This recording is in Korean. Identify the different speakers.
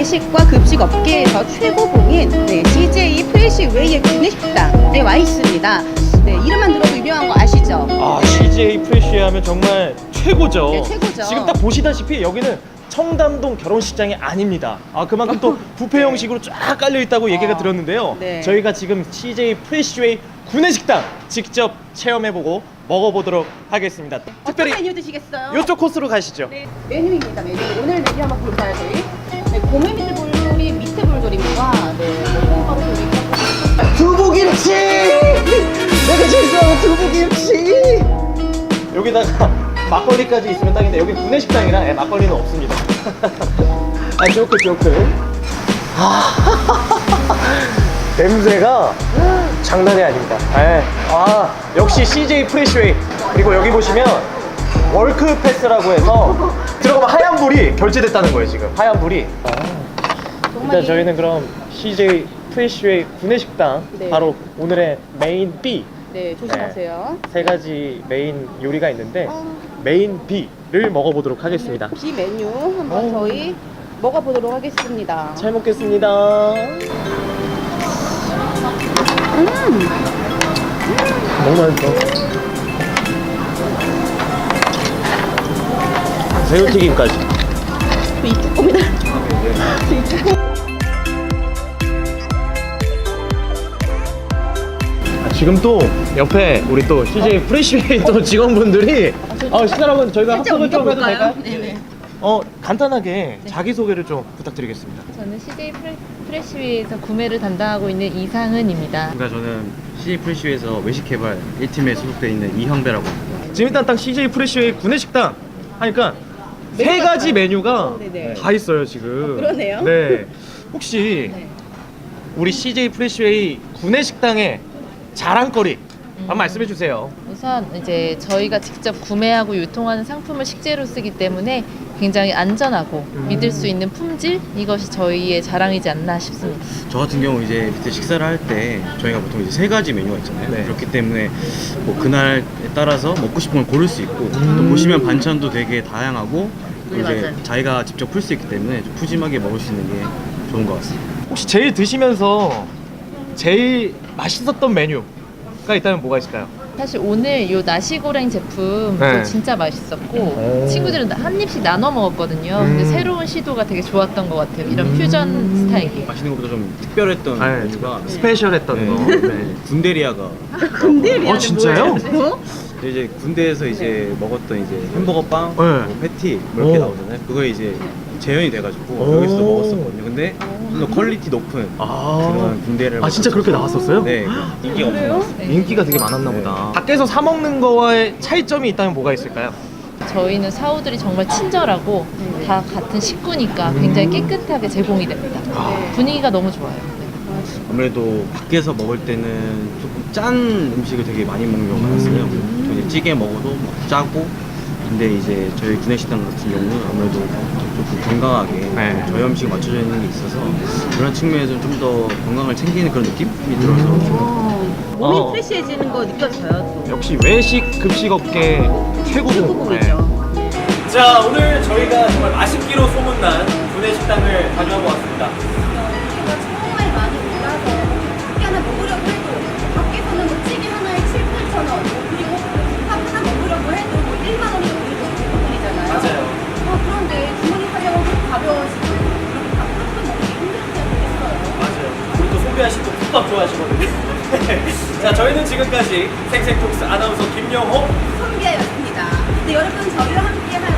Speaker 1: 구내식과 급식 업계에서 최고봉인 CJ 프레시웨이의 구내식당에 와 있습니다. 네, 이름만 들어도 유명한 거 아시죠?
Speaker 2: 아, CJ 프레쉬 하면 정말 최고죠.
Speaker 1: 네, 최고죠.
Speaker 2: 지금 딱 보시다시피 여기는 청담동 결혼식장이 아닙니다. 아, 그만큼 또 뷔페 형식으로 쫙 깔려 있다고 얘기가 들었는데요.
Speaker 1: 네.
Speaker 2: 저희가 지금 CJ 프레쉬웨이 구내식당 직접 체험해보고 먹어보도록 하겠습니다.
Speaker 1: 어떤 메뉴 드시겠어요?
Speaker 2: 이쪽 코스로 가시죠.
Speaker 1: 네, 메뉴입니다. 메뉴. 오늘 메뉴 한번 볼까요, 저희? 네, 고메 미트볼조리 미트볼조리입니다. 네, 볶음밥조리.
Speaker 2: 두부김치! 내가 제일 좋아하는 두부김치! 여기다가 막걸리까지 있으면 딱인데 여기 구내식당이라 막걸리는 없습니다. 아, 조크. 냄새가 장난이 아닙니다. 아, 역시 CJ 프레쉬웨이. 그리고 여기 보시면 월크 패스라고 해서 들어가면 하얀 불이 결제됐다는 거예요, 지금. 하얀 불이. 일단 저희는 그럼 CJ 프레쉬웨이 구내식당
Speaker 1: 네.
Speaker 2: 바로 오늘의 메인 B
Speaker 1: 네, 조심하세요.
Speaker 2: 세 가지 메인 요리가 있는데 메인 B를 먹어보도록 하겠습니다.
Speaker 1: 비 메뉴 한번 저희 먹어보도록 하겠습니다.
Speaker 2: 잘 먹겠습니다. 너무 맛있어. 새우튀김까지.
Speaker 1: 이 쭈꾸미들.
Speaker 2: 지금 또 옆에 우리 또 CJ 프레쉬웨이 또 직원분들이 시청자분 저희가 합석을 좀 해도 될까요?
Speaker 1: 네네.
Speaker 2: 간단하게 자기소개를 좀 부탁드리겠습니다.
Speaker 3: 저는 CJ 프레쉬웨이에서 구매를 담당하고 있는 이상은입니다.
Speaker 4: 저는 CJ 프레쉬웨이에서 외식개발 1팀에 소속되어 있는 이형배라고 합니다.
Speaker 2: 지금 일단 딱 CJ 프레쉬웨이 구내식당 하니까 세 가지 메뉴가
Speaker 1: 네네.
Speaker 2: 다 있어요 지금.
Speaker 1: 그러네요.
Speaker 2: 네. 혹시
Speaker 3: 네.
Speaker 2: 우리 CJ 프레쉬웨이 구내식당의 자랑거리 한번 말씀해 주세요.
Speaker 3: 우선 이제 저희가 직접 구매하고 유통하는 상품을 식재로 쓰기 때문에 굉장히 안전하고 믿을 수 있는 품질, 이것이 저희의 자랑이지 않나 싶습니다.
Speaker 4: 저 같은 경우 이제 밑에 식사를 할 때 저희가 보통 이제 세 가지 메뉴가 있잖아요.
Speaker 2: 네.
Speaker 4: 그렇기 때문에 뭐 그날에 따라서 먹고 싶은 걸 고를 수 있고 또 보시면 반찬도 되게 다양하고 또
Speaker 3: 네,
Speaker 4: 이제
Speaker 3: 맞아요.
Speaker 4: 자기가 직접 풀 수 있기 때문에 좀 푸짐하게 먹을 수 있는 게 좋은 것 같습니다.
Speaker 2: 혹시 제일 드시면서 제일 맛있었던 메뉴가 있다면 뭐가 있을까요?
Speaker 3: 사실 오늘 요 나시고랭 제품도
Speaker 2: 네.
Speaker 3: 진짜 맛있었고
Speaker 2: 오.
Speaker 3: 친구들은 한 입씩 나눠 먹었거든요. 근데 새로운 시도가 되게 좋았던 것 같아요. 이런 퓨전 스타일이.
Speaker 4: 맛있는 것보다 좀 특별했던
Speaker 2: 네,
Speaker 4: 메뉴가
Speaker 2: 스페셜했던
Speaker 4: 네.
Speaker 2: 거. 네.
Speaker 4: 군대리아가
Speaker 2: 어, 진짜요?
Speaker 4: 이제 군대에서 이제 먹었던 이제 햄버거 빵,
Speaker 2: 네.
Speaker 4: 뭐 패티 뭐 이렇게
Speaker 2: 오.
Speaker 4: 나오잖아요. 그거에 이제 재현이 돼가지고
Speaker 2: 오.
Speaker 4: 여기서도 먹었었거든요. 근데 좀 더 퀄리티 높은 그런 군대를
Speaker 2: 아, 진짜 그렇게 나왔었어요?
Speaker 4: 네, 인기가 엄청 많았어요.
Speaker 3: 네.
Speaker 2: 인기가 되게 많았나
Speaker 4: 네.
Speaker 2: 보다. 밖에서 사 먹는 거와의 차이점이 있다면 뭐가 있을까요?
Speaker 3: 저희는 사우들이 정말 친절하고 다 같은 식구니까 굉장히 깨끗하게 제공이 됩니다. 분위기가 너무 좋아요. 네.
Speaker 4: 아무래도 밖에서 먹을 때는 조금 짠 음식을 되게 많이 먹는 경우가 많았어요. 이제 찌개 먹어도 막 짜고. 근데 이제 저희 구내식당 같은 경우는 아무래도 조금 건강하게
Speaker 2: 네.
Speaker 4: 저희 음식 맞춰져 있는 게 있어서 그런 측면에서 좀 더 건강을 챙기는 그런 느낌이 들어서
Speaker 1: 몸이 프레시해지는 거 느껴져요. 또.
Speaker 2: 역시 외식 급식 업계 최고봉.
Speaker 1: 최고봉이죠.
Speaker 2: 자, 오늘 저희가 정말 맛있기로 소문난 구내식당을 다녀오고 왔습니다.
Speaker 5: 정말 많이 올라서 밖에 하나 먹으려고 해도 밖에서는 뭐 찌개 하나에 7, 8천 원 그리고 밥 하나 먹으려고 해도 뭐 1만 원이 넘는 부분이잖아요.
Speaker 2: 맞아요.
Speaker 5: 그런데 주머니 활력은 가벼워지고 그렇게 밥한번 먹기 힘들지 않겠어요?
Speaker 2: 맞아요. 우리 또 소비아 씨도 국밥 좋아하시거든요. 자, 저희는 지지금까지 생생톡스 아나운서 김영호.
Speaker 5: 선비아였습니다. 네, 여러분 저희와 함께할